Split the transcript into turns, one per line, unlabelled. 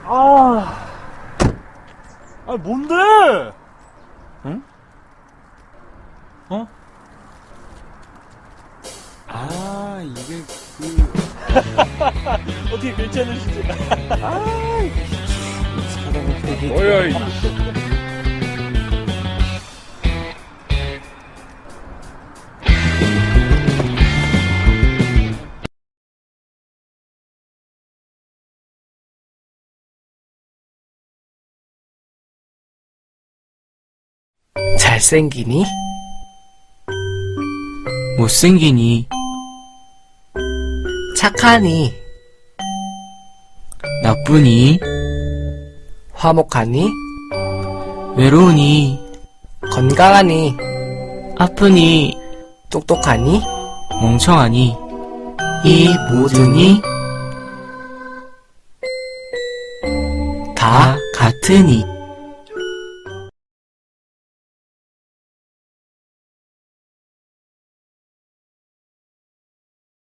아, 뭔데?
응? 어? 아, 이게
어떻게 괜찮으시지?
사람이 되게
뭐야, 이.
잘생기니?
못생기니?
착하니?
나쁘니?
화목하니?
외로우니?
건강하니?
아프니?
똑똑하니?
멍청하니?
이 모든이
다 같으니?